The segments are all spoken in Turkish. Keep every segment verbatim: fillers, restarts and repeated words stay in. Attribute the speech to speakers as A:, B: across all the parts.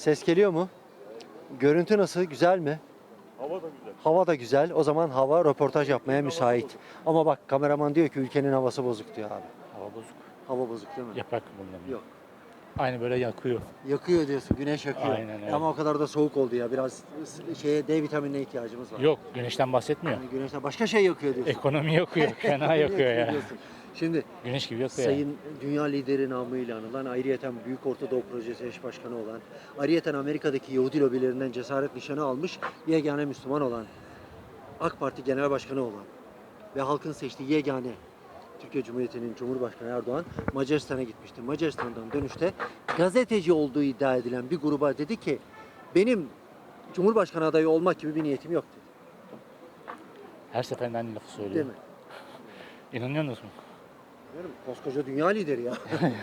A: Ses geliyor mu? Görüntü nasıl? Güzel mi?
B: Hava da güzel.
A: Hava da güzel. O zaman hava röportaj yapmaya müsait. Ama bak kameraman diyor ki ülkenin havası bozuk diyor abi.
C: Hava bozuk.
A: Hava bozuk değil mi?
C: Yaprak bundan.
A: Yok.
C: Aynı böyle yakıyor.
A: Yakıyor diyorsun. Güneş yakıyor.
C: Aynen öyle.
A: Ama o kadar da soğuk oldu ya. Biraz şeye D vitaminine ihtiyacımız var.
C: Yok, güneşten bahsetmiyor.
A: Yani güneşten başka şey yakıyor diyorsun.
C: Ekonomi yakıyor, fena yakıyor ya.
A: diyorsun. Şimdi
C: Güneş gibi yakıyor ya.
A: Sayın Dünya Lideri namıyla anılan, ayrıyeten Büyük Orta Doğu Projesi eş başkanı olan, ayrıyeten Amerika'daki Yahudi lobilerinden cesaret nişanı almış, yegane Müslüman olan, AK Parti Genel Başkanı olan ve halkın seçtiği yegane Türkiye Cumhuriyeti'nin Cumhurbaşkanı Erdoğan Macaristan'a gitmişti. Macaristan'dan dönüşte gazeteci olduğu iddia edilen bir gruba dedi ki benim Cumhurbaşkanı adayı olmak gibi bir niyetim yok dedi.
C: Her seferinde aynı lafı söylüyor.
A: Değil mi?
C: İnanıyor musun?
A: Bilmiyorum, koskoca dünya lideri ya.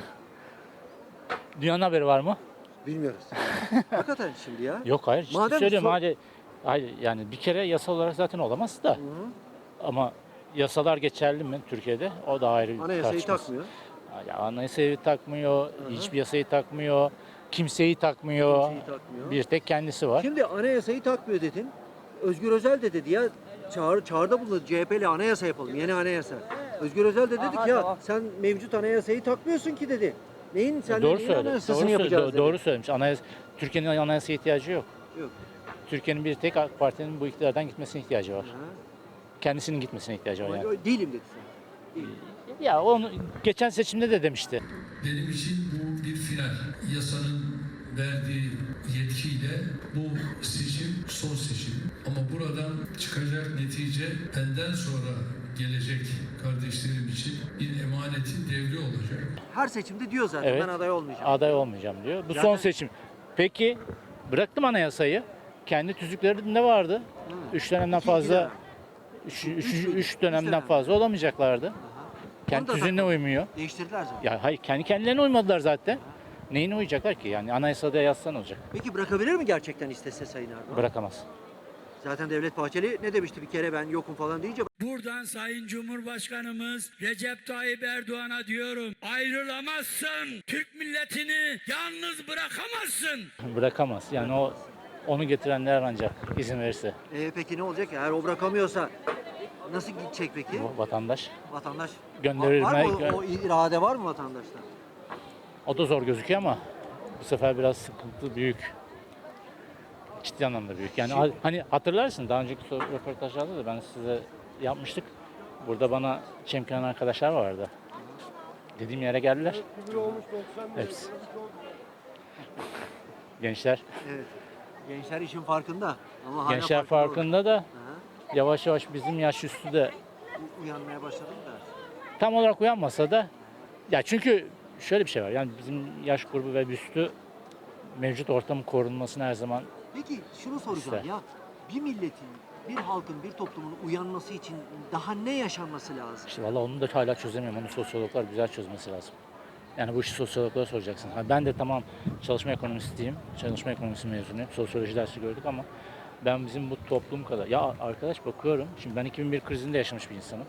C: Dünyanın haberi var mı?
A: Bilmiyoruz. Hakikaten şimdi ya.
C: Yok hayır. Ciddi
A: Madem
C: söylüyorum.
A: so-
C: Hadi, hayır, yani bir kere yasal olarak zaten olamaz da.
A: Hı hı.
C: Ama yasalar geçerli mi Türkiye'de? O da ayrı bir
A: Anayasayı
C: tartışması.
A: takmıyor.
C: Ya, anayasayı takmıyor,
A: Hı hı.
C: hiçbir yasayı takmıyor, kimseyi takmıyor.
A: Kimseyi takmıyor.
C: Bir tek kendisi var.
A: Şimdi anayasayı takmıyor dedin. Özgür Özel de dedi ya çağrı, çağrıda bulundu C H P ile anayasa yapalım. Yeni anayasa. Özgür Özel de dedi ki ya sen mevcut anayasayı takmıyorsun ki dedi. Neyin sen
C: E, doğru
A: neyin
C: söyledi.
A: anayasasını
C: Doğru, söyledi.
A: yapacağız
C: Do-
A: dedi.
C: doğru söylemiş. Anayasa, Türkiye'nin anayasaya ihtiyacı yok.
A: Yok.
C: Türkiye'nin bir tek AK Parti'nin bu iktidardan gitmesine ihtiyacı var.
A: Ha.
C: Kendisinin gitmesine ihtiyacı var
A: Ama
C: yani.
A: öyle değilim dedi sen. Değilim.
C: Ya onu geçen seçimde de demişti.
D: Benim için bu bir final. Yasanın verdiği yetkiyle bu seçim son seçim. Ama buradan çıkacak netice benden sonra gelecek kardeşlerim için bir emanetin devri olacak.
A: Her seçimde diyor zaten
C: Evet.
A: ben aday olmayacağım.
C: Aday olmayacağım diyor. Bu
A: Zaten-
C: son seçim. Peki bıraktım anayasayı. Kendi tüzüklerinde vardı. Üç dönemden
A: İki- iki
C: fazla
A: dönem.
C: üç,
A: Üç
C: üç,
A: müydü?
C: üç
A: Üç
C: dönemden
A: dönem.
C: fazla olamayacaklardı.
A: Aha.
C: Kendi
A: Onu da
C: tüzüğüne
A: takmadı.
C: uymuyor.
A: Değiştirdiler zaten.
C: Ya hayır, kendi kendilerine uymadılar zaten. Neyine uyacaklar ki? Yani anayasada yazsan olacak.
A: Peki bırakabilir mi gerçekten istese Sayın Erdoğan?
C: Bırakamaz.
A: Zaten Devlet Bahçeli ne demişti bir kere ben yokum falan deyince
E: Buradan Sayın Cumhurbaşkanımız Recep Tayyip Erdoğan'a diyorum. Ayrılamazsın. Türk milletini yalnız bırakamazsın.
C: Bırakamaz. Yani o onu getirenler ancak izin verirse
A: e, peki ne olacak? Eğer o bırakamıyorsa nasıl gidecek peki?
C: bu vatandaş.
A: Vatandaş
C: Gönderilme-
A: var mı o, o irade var mı vatandaşta?
C: O da zor gözüküyor ama bu sefer biraz sıkıntı büyük. Ciddi anlamda büyük. Yani
A: Şimdi-
C: hani hatırlarsın daha önceki so- röportajlarda da ben size yapmıştık. Burada bana çemkiren arkadaşlar vardı. Dediğim yere geldiler. Hepsi. Gençler.
A: Evet. Gençler işin farkında ama hala
C: Gençler
A: farkında olmadı.
C: farkında da
A: Aha.
C: yavaş yavaş bizim yaş üstü de
A: U- Uyanmaya başladım da.
C: tam olarak uyanmasa da ya çünkü şöyle bir şey var. Yani bizim yaş grubu ve üstü mevcut ortamın korunmasını her zaman
A: Peki şunu soracağım
C: İşte.
A: ya. Bir milletin, bir halkın, bir toplumun uyanması için daha ne yaşanması lazım?
C: işte valla onu da hala çözemiyorum. Onu sosyologlar güzel çözmesi lazım. Yani bu işi sosyologlara soracaksın. Ha, ben de tamam çalışma ekonomistiyim. Çalışma ekonomisi mezunuyum. Sosyoloji dersi gördük ama ben bizim bu toplum kadar. Ya arkadaş bakıyorum. Şimdi ben iki bin bir krizinde yaşamış bir insanım.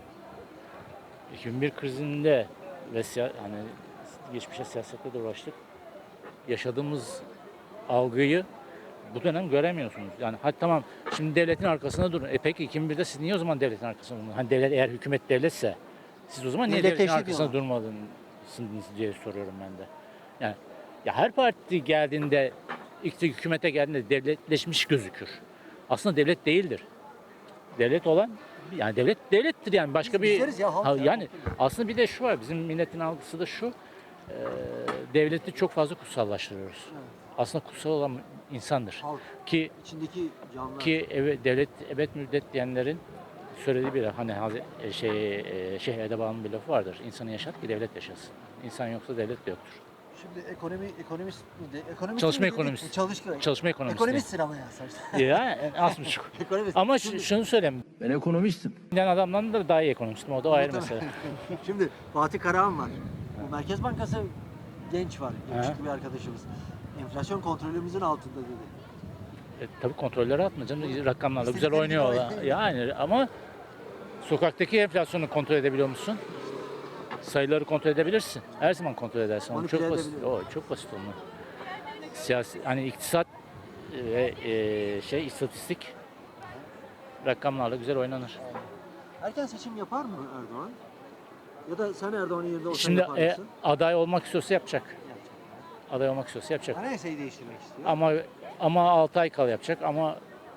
C: iki bin bir krizinde ve siya- hani geçmişe siyasetle de uğraştık. Yaşadığımız algıyı bu dönem göremiyorsunuz. Yani hadi tamam şimdi devletin arkasında durun. E peki iki bin birde siz niye o zaman devletin arkasında durun? Hani devlet eğer hükümet devletse siz o zaman niye devletin
A: Devletleşti
C: arkasında
A: diyorlar.
C: durmadınız diye soruyorum ben de. Yani ya her parti geldiğinde ilk hükümete geldiğinde devletleşmiş gözükür. Aslında devlet değildir. Devlet olan yani devlet devlettir yani başka
A: Biz
C: bir
A: bizleriz ya, halk
C: Ha,
A: ya,
C: yani
A: halk.
C: aslında bir de şu var bizim milletin algısı da şu e, devleti çok fazla kutsallaştırıyoruz. Aslında kutsal olan insandır.
A: Halk,
C: Ki
A: içindeki canlılar.
C: ki evet, devlet ebed müddet diyenlerin söylediği bir hani Hazi- e, şey e, Şeyh Edeba'nın bir lafı vardır. İnsanı yaşat ki devlet yaşasın. İnsan yoksa devlet de yoktur.
A: Şimdi ekonomi ekonomist miydi? Ekonomist
C: Çalışma
A: miydi?
C: ekonomisti.
A: Çalışma.
C: Çalışma ekonomisti.
A: Ekonomistsin ama ya sen.
C: Ya az buçuk.
A: Ekonomist.
C: Ama
A: Şimdi-
C: şu- şunu söyleyeyim.
F: Ben ekonomistim.
C: Ben adamdan da daha iyi ekonomistim. O da ayrı mesele.
A: Şimdi Fatih Karahan var. Bu Merkez Bankası genç var. Yakışıklı bir arkadaşımız. Enflasyon kontrolümüzün altında dedi.
C: E, tabii kontrolleri atma canım. Rakamlarla güzel
A: İstedikleri gibi
C: oynuyorlar.
A: oynuyor.
C: Yani ama sokaktaki enflasyonu kontrol edebiliyor musun? Sayıları kontrol edebilirsin. Her zaman kontrol edersin. Onu
A: Manipüle
C: çok basit.
A: edebiliyor.
C: O çok basit onlar. siyasi hani iktisat ve e, şey istatistik rakamlarla güzel oynanır.
A: Erken seçim yapar mı Erdoğan? Ya da sen Erdoğan'ın yerinde olsan
C: Şimdi
A: yapar
C: e,
A: mısın?
C: aday olmak istiyorsa yapacak. Aday olmak istiyorsa yapacak.
A: Anayasayı değiştirmek istiyor.
C: Ama ama altı ay kala yapacak ama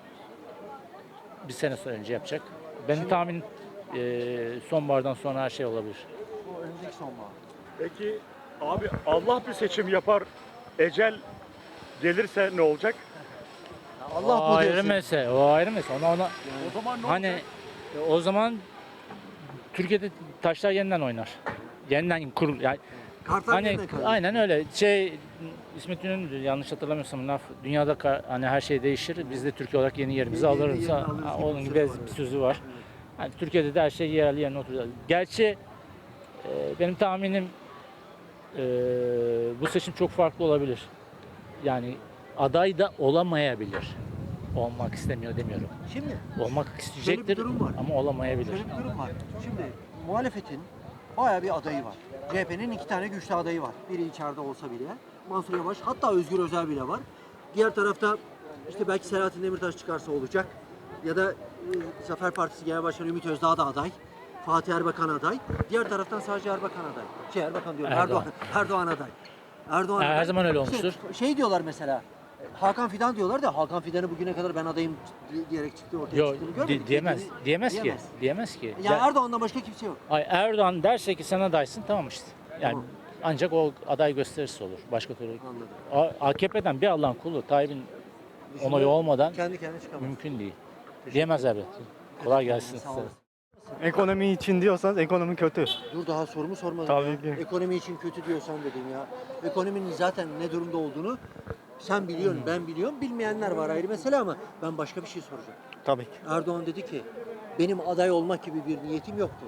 C: bir sene sonra önce yapacak. Benim tahmin e, sonbahardan sonra her şey olabilir.
A: Bu önümüzdeki sonbahar.
B: Peki abi Allah bir seçim yapar, ecel gelirse ne olacak?
A: Ya Allah
C: o
A: bu
C: ayrı
A: diyorsun.
C: mesele. O ayrı mesele. Ona, ona,
B: O zaman ne
C: hani
B: olacak?
C: e, o zaman Türkiye'de taşlar yeniden oynar. Yeniden kurul. Yani
A: Kartlar
C: hani
A: yerine kalıyor.
C: aynen öyle. Şey İsmet İnönü'dür yanlış hatırlamıyorsam laf. Dünyada ka- hani her şey değişir. Biz de Türkiye olarak yeni yerimizi
A: Yeni- yeni
C: alırız.
A: yerini
C: Ha,
A: alırız gibi
C: Onun
A: bir
C: gibi
A: söz var,
C: bir
A: evet.
C: sözü var. Hani Türkiye'de de her şey yerli yerine oturacak. Gerçi e, benim tahminim e, bu seçim çok farklı olabilir. Yani aday da olamayabilir. Olmak istemiyor demiyorum.
A: Şimdi
C: Olmak isteyecektir
A: durum var.
C: ama olamayabilir.
A: şöyle bir durum var. Şimdi muhalefetin bayağı bir adayı var. C H P'nin iki tane güçlü adayı var. Biri içeride olsa bile. Mansur Yavaş, hatta Özgür Özel bile var. Diğer tarafta işte belki Selahattin Demirtaş çıkarsa olacak. Ya da e, Zafer Partisi Genel Başkanı Ümit Özdağ da aday. Fatih Erbakan aday. Diğer taraftan sadece Erbakan aday. Şey Erbakan diyorum. Erdoğan.
C: Erdoğan.
A: Erdoğan, aday. Erdoğan
C: Her
A: aday.
C: zaman öyle
A: İşte
C: olmuştur.
A: şey diyorlar mesela. Hakan Fidan diyorlar da Hakan Fidan'ı bugüne kadar ben adayım diyerek çıktı ortaya
C: Yok
A: çıktığını görmedik.
C: di- diyemez.
A: Kendini-
C: Diyemez ki.
A: diyemez.
C: Diyemez ki.
A: Yani
C: Der-
A: Erdoğan'dan başka kimse yok.
C: Ay Erdoğan derse ki sen adaysın tamam işte. Yani
A: Tamam.
C: ancak o aday gösterisi olur. Başka türlü.
A: Anladım.
C: A- AKP'den bir Allah'ın kulu Tayyip'in onayı olmadan
A: Kendi kendine çıkamaz.
C: mümkün değil. Diyemez abi. Kolay gelsin
A: Sağ
C: size.
A: olasın.
B: Ekonomi için diyorsanız ekonomi kötü.
A: Dur daha sorumu sormadım.
B: Tabii
A: ya.
B: ki.
A: Ekonomi için kötü diyorsan dedim ya. Ekonominin zaten ne durumda olduğunu sen biliyorsun, ben biliyorum. Bilmeyenler var ayrı mesele ama ben başka bir şey soracağım.
B: Tabii ki.
A: Erdoğan dedi ki benim aday olmak gibi bir niyetim yoktu.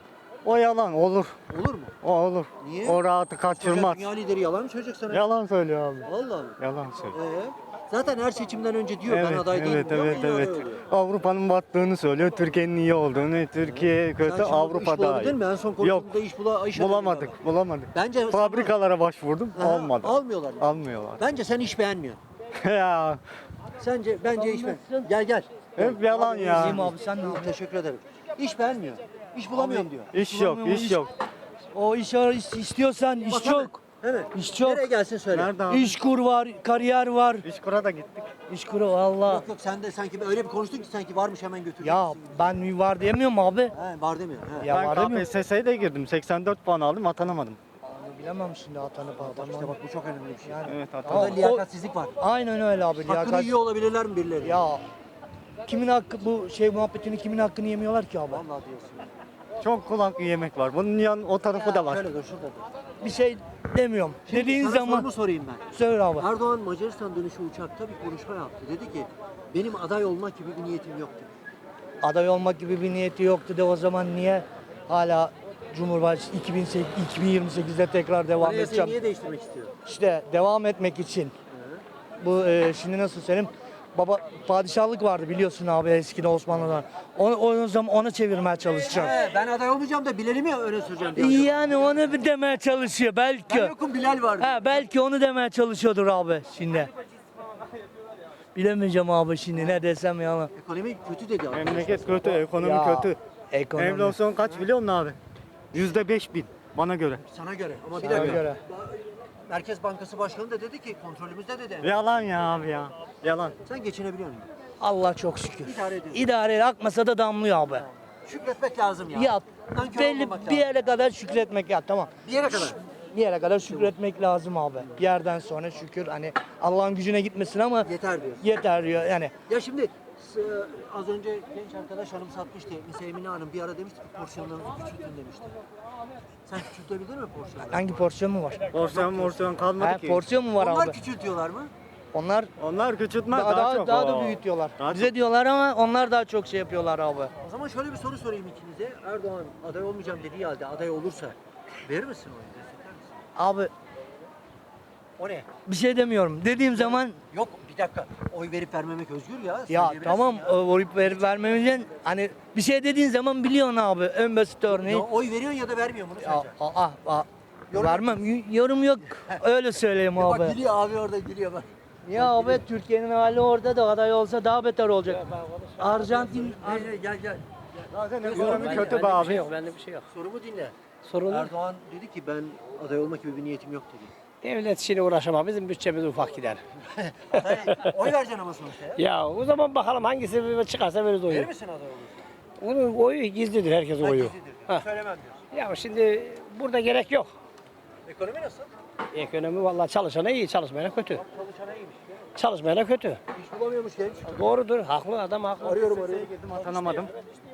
B: O yalan olur.
A: Olur mu?
B: O olur.
A: Niye?
B: O rahatı kaçırmaz.
A: Dünya lideri yalan mı söyleyecek sana?
B: Yalan söylüyor abi.
A: Allah Allah.
B: Yalan söylüyor.
A: Ee, zaten her seçimden önce diyor ben
B: Evet,
A: aday değilim
B: evet,
A: diyor.
B: evet,
A: milyon
B: evet.
A: oluyor.
B: Avrupa'nın battığını söylüyor, Türkiye'nin iyi olduğunu, Türkiye
A: Sen
B: kötü,
A: şimdi
B: Avrupa
A: iş
B: daha
A: bulabildin
B: iyi.
A: mi? En son
B: Yok,
A: konuştuğumuzda iş bula, iş arıyorduk
B: bulamadık,
A: ama.
B: bulamadık.
A: Bence
B: Fabrikalara başvurdum,
A: Aha,
B: olmadı.
A: Almıyorlar.
B: Almıyorlar.
A: Bence sen iş beğenmiyorsun.
B: Ya,
A: Sence bence iş beğen. Gel gel.
B: hep yalan ya.
A: İyiyim abi sen ne yapıyorsun? Teşekkür ederim. İş beğenmiyor. İş bulamıyorum diyor.
B: İş yok, iş yok.
F: O iş ar- is- istiyorsan iş
A: Bak
F: çok.
A: hemen, hemen.
F: İş çok.
A: Nereye gelsin söyle.
B: Nerede abi?
F: İş kur var, kariyer var.
B: İş kura da gittik.
F: İş kuru valla.
A: Yok yok sen de sanki öyle bir konuştun ki sanki varmış hemen götüreceksin.
F: Ya ben var diyemiyorum abi.
A: He, var demiyor. He.
F: Ya
B: Ben
F: var demiyorum.
B: K P S S'ye de girdim, seksen dört puan aldım, atanamadım.
F: Onu bilemem şimdi atanıp
A: Bak işte
F: atanmam.
A: bak bu çok önemli bir şey.
F: Yani,
B: Evet,
A: Orada
B: atanamadım.
A: liyakatsizlik var.
F: aynen öyle abi.
A: Hakkını
F: liyakat-
A: yiyor olabilirler mi birileri?
F: Ya kimin hakkı bu şey muhabbetini kimin hakkını yemiyorlar ki abi?
A: Vallahi diyorsun.
B: Çok kulak yemek var. Bunun yan o tarafı da var.
A: Şöyle dur şurada dur.
F: Bir şey demiyorum.
A: Şimdi
F: Dediğin
A: sana
F: zaman
A: sorumu sorayım ben.
F: söyle abi.
A: Erdoğan Macaristan dönüşü uçakta bir konuşma yaptı. Dedi ki benim aday olmak gibi bir niyetim yoktu.
F: Aday olmak gibi bir niyeti yoktu de o zaman niye hala Cumhurbaşkanı iki bin sekiz iki bin yirmi sekizde tekrar devam
A: Anayasayı
F: edeceğim?
A: niye değiştirmek istiyor?
F: İşte devam etmek için. Bu e, şimdi nasıl söyleyeyim? Baba padişahlık vardı biliyorsun abi eskiden Osmanlı'da. Onu o zaman onu çevirmeye çalışacağım.
A: He, ben aday olmayacağım da Bilal'i mi öne süreceğim diyor. acaba?
F: Yani onu bir demeye çalışıyor belki.
A: Ben yokum Bilal var diyor.
F: Ha belki onu demeye çalışıyordur abi şimdi. Bilemeyeceğim abi şimdi ne desem yalan.
A: Ekonomi kötü dedi abi.
B: Memleket kötü, ekonomi
F: Ya,
B: kötü.
F: Ekonomi.
B: Enflasyon kaç biliyor musun abi? Yüzde beş bin bana göre.
A: Sana göre ama bir
F: Sana
A: dakika.
F: göre.
A: Merkez Bankası Başkanı da dedi ki kontrolümüzde dedi.
B: Yalan ya abi ya. Yalan.
A: Sen geçinebiliyor musun?
F: Allah çok şükür.
A: İdare ediyorsun.
F: İdare akmasa da damlıyor abi.
A: Şükretmek lazım ya.
F: Ya
A: Nankör
F: belli
A: olmamak
F: bir
A: lazım.
F: yere kadar şükretmek ya tamam.
A: Bir yere kadar.
F: Bir yere kadar şükretmek lazım abi. Bir yerden sonra şükür hani Allah'ın gücüne gitmesin ama
A: Yeter diyorsun.
F: yeter diyor yani.
A: Ya şimdi s- az önce genç arkadaş hanım satmıştı. Mesela Emine Hanım bir ara demişti ki porsiyonlarınızı küçültün demişti. Sen küçültebildin mi porsiyonları?
F: Hangi porsiyon mu var?
B: Porsiyon morsiyon kalmadı
F: Ha,
B: ki.
F: porsiyon mu var
A: Onlar
F: abi?
A: küçültüyorlar mı?
F: Onlar
B: Onlar küçültmez
F: daha,
B: daha,
F: daha,
B: çok.
F: daha da
B: Oo.
F: büyütüyorlar.
B: Daha
F: Bize
B: çok.
F: diyorlar ama onlar daha çok şey yapıyorlar abi.
A: O zaman şöyle bir soru sorayım ikinize. Erdoğan aday olmayacağım dediği halde aday olursa verir misin oyu? Destekler misin?
F: Abi
A: O ne?
F: bir şey demiyorum. Dediğim zaman
A: Yok bir dakika. Oy verip vermemek özgür ya.
F: ya
A: Söyleyebilirsin
F: tamam
A: ya.
F: o verip ver, vermemizden hani bir şey dediğin zaman biliyorsun abi en basit örneği.
A: Ya oy veriyorsun ya da vermiyor bunu
F: Ya,
A: sence?
F: aa, aa,
A: Yorum
F: Vermem. Y- Yorum yok. Öyle söyleyeyim
A: Bak
F: abi.
A: gülüyor abi orada gülüyor bak.
F: Ya abi Türkiye'nin hali orada da aday olsa daha beter olacak. Arjantin
A: Gel gel gel. gel.
B: Zaten ekonomi kötü be abi.
G: yok, bende bir şey yok.
A: Sorumu dinle.
G: Sorun yok.
A: Erdoğan dedi ki ben aday olmak gibi bir niyetim yok dedi.
G: Devlet işine uğraşamam. Bizim bütçemiz ufak gider.
A: Aday, oy vereceksin ama sonuçta ya.
G: Ya o zaman bakalım hangisi çıkarsa veririz oyu.
A: Verir misin aday olursa?
G: Onun oyu gizlidir, herkesin
A: Ben
G: oyu.
A: gizlidir.
G: Ha.
A: Söylemem diyorsun.
G: Ya şimdi burada gerek yok.
A: Ekonomi nasıl?
G: Ekonomi vallahi çalışana iyi, çalışmayana kötü.
A: Çalışana iyiymiş.
G: Çalışmayana kötü.
A: İş bulamıyormuş genç.
G: Doğrudur, haklı adam haklı.
A: Arıyorum arıyorum.
B: Atanamadım.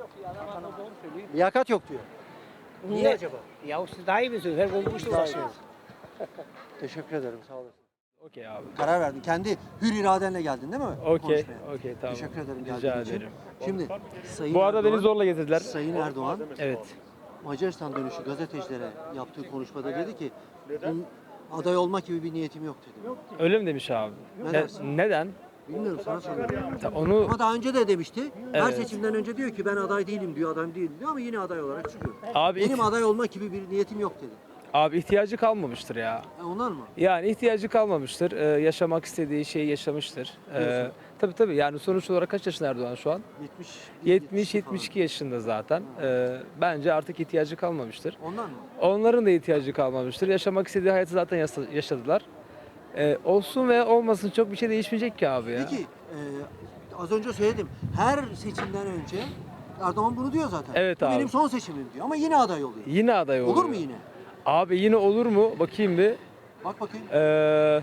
A: Liyakat yok diyor. Niye
G: Ne-
A: acaba?
G: Ya siz daha iyi bilirsiniz, her gün bu işle uğraşıyorsunuz.
A: Teşekkür ederim sağ olasın.
H: Okey abi.
A: Karar verdin. Kendi hür iradenle geldin değil mi?
H: Okey.
A: Konuşmaya.
H: Okey tamam.
A: Teşekkür ederim
H: Rica
A: geldiğin için.
H: ederim.
A: Şimdi Sayın
H: Bu arada beni
A: Erdoğan-
H: zorla getirdiler.
A: Sayın Erdoğan
H: Evet.
A: Macaristan dönüşü gazetecilere yaptığı konuşmada dedi ki "Bunun aday olmak gibi bir niyetim yok dedi.
H: Öyle mi demiş abi?
A: Ne
H: Ne-
A: dersin?
H: neden?
A: Bilmiyorum sana soruyorum.
H: Ta- Onu
A: Ama daha önce de demişti. Her
H: Evet.
A: seçimden önce diyor ki ben aday değilim diyor, adam değilim diyor ama yine aday olarak çıkıyor.
H: abi
A: Benim
H: ihti-
A: aday olmak gibi bir niyetim yok dedi.
H: abi ihtiyacı kalmamıştır ya.
A: E ondan mı?
H: Yani ihtiyacı kalmamıştır. Ee, yaşamak istediği şeyi yaşamıştır. Ee,
A: Diyorsun.
H: tabii tabii. Yani sonuç olarak kaç yaşında Erdoğan şu an?
A: yetmiş
H: yetmiş yetmiş iki yaşında zaten. Ee, bence artık ihtiyacı kalmamıştır.
A: Ondan mı?
H: Onların da ihtiyacı kalmamıştır. Yaşamak istediği hayatı zaten yasa- yaşadılar. Ee, olsun veya olmasın çok bir şey değişmeyecek ki abi ya.
A: Peki e, az önce söyledim. Her seçimden önce Erdoğan bunu diyor zaten.
H: Evet
A: Bu
H: abi.
A: benim son seçimim diyor ama yine aday oluyor.
H: Yine aday oluyor.
A: Olur mu yine?
H: Abi yine olur mu? Bakayım bir.
A: Bak bakayım.
H: Ee,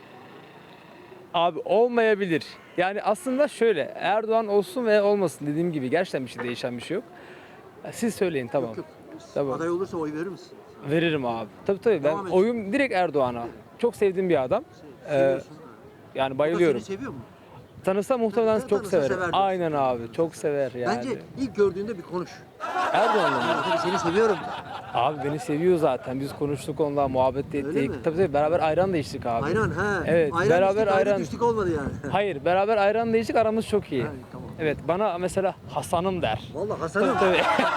H: abi olmayabilir. Yani aslında şöyle Erdoğan olsun veya olmasın dediğim gibi gerçekten bir şey değişen bir şey yok. Siz söyleyin tamam.
A: Yok, yok.
H: Tamam.
A: Aday olursa oy verir misin?
H: Veririm abi. Tabii tabii ben
A: Devam et.
H: oyum direkt Erdoğan'a. Çok sevdiğim bir adam. Ee,
A: Seviyorsun.
H: yani
A: O da
H: bayılıyorum.
A: seni seviyor mu?
H: Tanısa muhtemelen
A: Sen
H: çok
A: tanısa
H: severim.
A: sever diyorsun.
H: Aynen abi. Çok sever yani.
A: Bence ilk gördüğünde bir konuş.
H: Erdoğan'la mı?
A: Tabii seni seviyorum. de.
H: Abi beni seviyor zaten. Biz konuştuk onunla, muhabbet de
A: Öyle
H: ettik.
A: mi?
H: Tabii tabii beraber ayran da içtik abi.
A: Ayran ha.
H: Evet,
A: ayran
H: beraber
A: içtik, ayrı
H: ayran.
A: düştük olmadı yani.
H: Hayır, beraber ayran da içtik. Aramız çok iyi.
A: Ha, tamam.
H: Evet, bana mesela Hasan'ım der.
A: Vallahi Hasan'ım.
H: Tabii.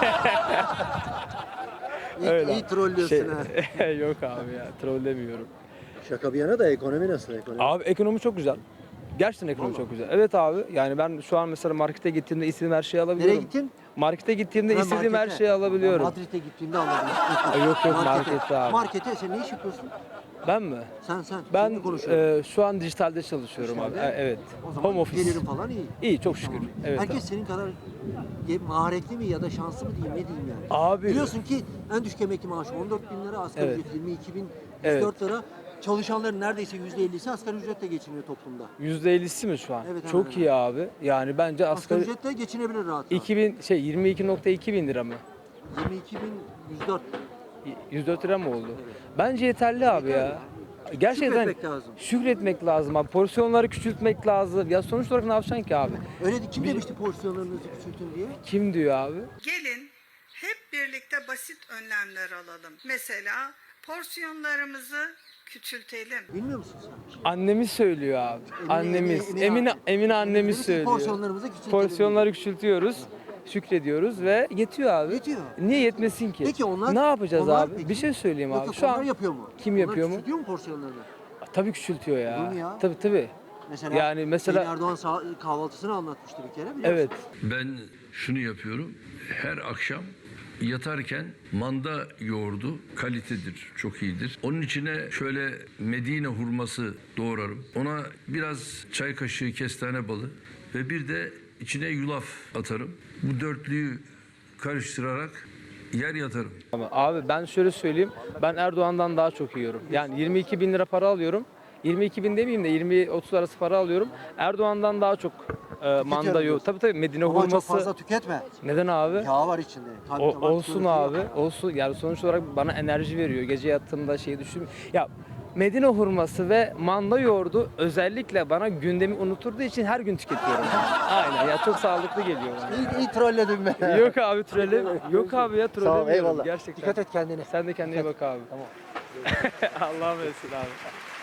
A: iyi,
H: Öyle.
A: iyi trollüyorsun
H: Şey-
A: ha.
H: Yok abi ya, trollemiyorum.
A: Şaka bir yana da ekonomi nasıl ekonomi?
H: Abi ekonomi çok güzel. Gerçekten ekonomi
A: Vallahi.
H: çok güzel. Evet abi, yani ben şu an mesela markete gittiğimde istediğim her şeyi alabiliyorum.
A: Nereye gittin?
H: Markete gittiğimde
A: Ha,
H: istediğim her
A: markete.
H: şeyi alabiliyorum.
A: Ben Madrid'e gittiğimde anladım.
H: Yok, yok, markette abi.
A: Markete sen ne iş yapıyorsun?
H: Ben mi?
A: Sen sen.
H: Ben
A: seninle konuşuyorum.
H: e, şu an dijitalde çalışıyorum
A: Dijitalde?
H: abi. E, Evet.
A: O zaman
H: Home office.
A: gelirin falan iyi.
H: İyi, çok şükür.
A: Tamam.
H: Evet.
A: Herkes
H: abi.
A: senin kadar ge- maharetli mi ya da şanslı mı diyeyim ne diyeyim yani.
H: Abi
A: Biliyorsun ki en düşük emekli maaşı on dört bin lira, asgari
H: Evet.
A: ücret yirmi iki bin yüz
H: Evet.
A: dört lira. Çalışanların neredeyse yüzde ellisi asgari ücretle geçiniyor toplumda.
H: yüzde ellisi mi şu an?
A: Evet,
H: Çok
A: hemen
H: iyi abi. Yani bence
A: Asgari
H: asgari
A: ücretle geçinebilir rahat rahat.
H: iki bin şey yirmi iki nokta iki bin lira mı?
A: yirmi iki bin yüz dört.
H: yüz dört lira mı oldu? Bence yeterli abi
A: Yeterli.
H: ya. Gerçekten
A: Şükretmek lazım.
H: şükretmek lazım abi. Porsiyonları küçültmek lazım. Ya sonuç olarak ne yapacaksın ki abi?
A: Öyle de kim demişti porsiyonlarınızı küçültün diye?
H: Kim diyor abi?
I: Gelin hep birlikte basit önlemler alalım. Mesela porsiyonlarımızı küçültelim.
A: Bilmiyor musun sen?
H: Annemiz söylüyor abi.
A: Emine-
H: annemiz.
A: Emine-
H: Emine
A: Emine-
H: Emine annemiz
A: Dedi ki,
H: söylüyor.
A: Porsiyonlarımızı küçültelim.
H: Porsiyonları küçültüyoruz. Şükrediyoruz ve yetiyor abi.
A: Yetiyor.
H: Niye yetmesin ki?
A: Peki onlar-
H: Ne yapacağız
A: onlar
H: abi?
A: peki-
H: Bir şey söyleyeyim
A: Yok
H: abi.
A: yok,
H: Şu
A: onlar
H: an
A: yapıyor mu?
H: kim
A: Onlar
H: yapıyor mu?
A: küçültüyor mu porsiyonlarını?
H: Tabii küçültüyor ya.
A: Olur mu ya?
H: Tabii tabii.
A: Mesela,
H: Yani mesela-
A: Sayın Erdoğan sağ- kahvaltısını anlatmıştı bir kere biliyor
H: Evet.
A: musun?
D: Ben şunu yapıyorum. Her akşam yatarken manda yoğurdu kalitedir, çok iyidir. Onun içine şöyle Medine hurması doğrarım. Ona biraz çay kaşığı kestane balı ve bir de içine yulaf atarım. Bu dörtlüyü karıştırarak yer yatarım.
H: Ama abi ben şöyle söyleyeyim. Ben Erdoğan'dan daha çok yiyorum. Yani yirmi iki bin lira para alıyorum. yirmi iki bin demeyeyim de yirmi otuz arası para alıyorum. Erdoğan'dan daha çok e, manda yok.
A: diyorsun.
H: Tabii tabii Medine
A: Ama çok
H: hurması.
A: fazla tüketme.
H: Neden abi?
A: Yağ var içinde. Kalp
H: O,
A: damar
H: olsun
A: tıkanıklığı
H: abi.
A: yok.
H: Olsun. Yani sonuç olarak bana enerji veriyor. Gece yattığımda şeyi düşün. Ya Medine hurması ve manda yoğurdu özellikle bana gündemi unuturduğu için her gün tüketiyorum. Aynen ya çok sağlıklı geliyor bana.
A: İyi, iyi trolledim ben.
H: Yok abi trole. Yok abi ya trole.
A: Sağ ol eyvallah.
H: Gerçekten.
A: Dikkat et kendine.
H: Sen de kendine iyi bak abi.
A: Tamam.
H: Allah'a emanet abi.